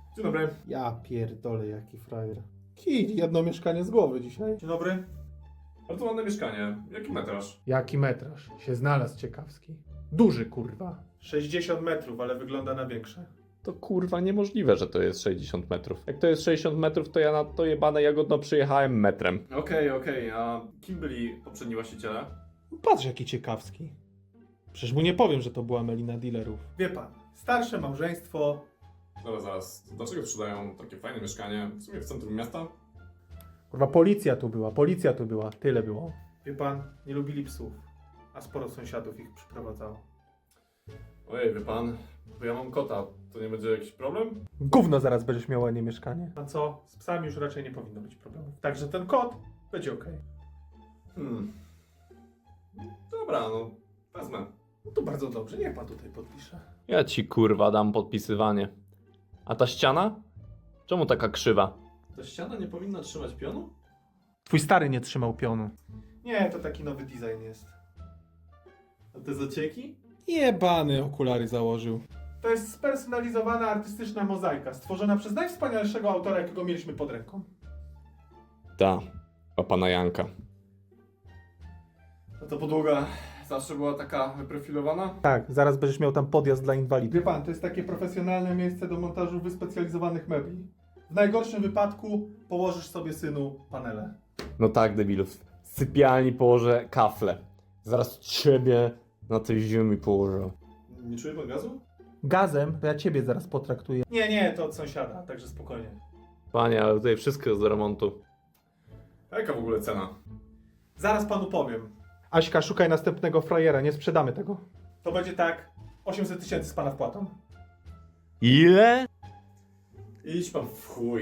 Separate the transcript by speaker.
Speaker 1: Dzień dobry.
Speaker 2: Ja pierdolę, jaki frajer. Kij, jedno mieszkanie z głowy dzisiaj.
Speaker 1: Dzień dobry. Bardzo ładne mieszkanie. Jaki metraż?
Speaker 2: Jaki metraż? Się znalazł ciekawski. Duży, kurwa. 60 metrów, ale wygląda na większe.
Speaker 3: To kurwa niemożliwe, że to jest 60 metrów. Jak to jest 60 metrów, to ja na to jebane jagodno przyjechałem metrem.
Speaker 1: Okej. A kim byli poprzedni właściciele?
Speaker 2: Patrz, jaki ciekawski. Przecież mu nie powiem, że to była melina dealerów. Wie pan, starsze małżeństwo.
Speaker 1: Dobra, zaraz. Dlaczego sprzedają takie fajne mieszkanie? W sumie w centrum miasta?
Speaker 2: Kurwa, policja tu była. Tyle było. Wie pan, nie lubili psów. A sporo sąsiadów ich przyprowadzało.
Speaker 1: Ojej, wie pan, bo ja mam kota. To nie będzie jakiś problem?
Speaker 2: Gówno zaraz będziesz miał ładnie mieszkanie. A co? Z psami już raczej nie powinno być problemów. Także ten kot będzie okej.
Speaker 1: Dobra, no wezmę.
Speaker 2: No to bardzo dobrze, niech pan tutaj podpisze.
Speaker 3: Ja ci kurwa dam podpisywanie. A ta ściana? Czemu taka krzywa?
Speaker 1: Ta ściana nie powinna trzymać pionu?
Speaker 2: Twój stary nie trzymał pionu. Nie, to taki nowy design jest.
Speaker 1: A te zacieki?
Speaker 2: Jebany okulary założył. To jest spersonalizowana artystyczna mozaika, stworzona przez najwspanialszego autora, jakiego mieliśmy pod ręką.
Speaker 3: Ta, o pana Janka.
Speaker 1: A ta podłoga zawsze była taka wyprofilowana?
Speaker 2: Tak, zaraz będziesz miał tam podjazd dla inwalidów. Wie pan, to jest takie profesjonalne miejsce do montażu wyspecjalizowanych mebli. W najgorszym wypadku położysz sobie, synu, panele.
Speaker 3: No tak, debilów. W sypialni położę kafle. Zaraz ciebie na tej ziemi położę.
Speaker 1: Nie czuje pan gazu?
Speaker 2: Gazem to ja ciebie zaraz potraktuję. Nie, to od sąsiada, także spokojnie.
Speaker 3: Panie, ale tutaj wszystko jest do remontu.
Speaker 1: A jaka w ogóle cena?
Speaker 2: Zaraz panu powiem. Aśka, szukaj następnego frajera, nie sprzedamy tego. To będzie tak, 800 000 z pana wpłatą.
Speaker 3: Ile?
Speaker 1: Idź pan w chuj.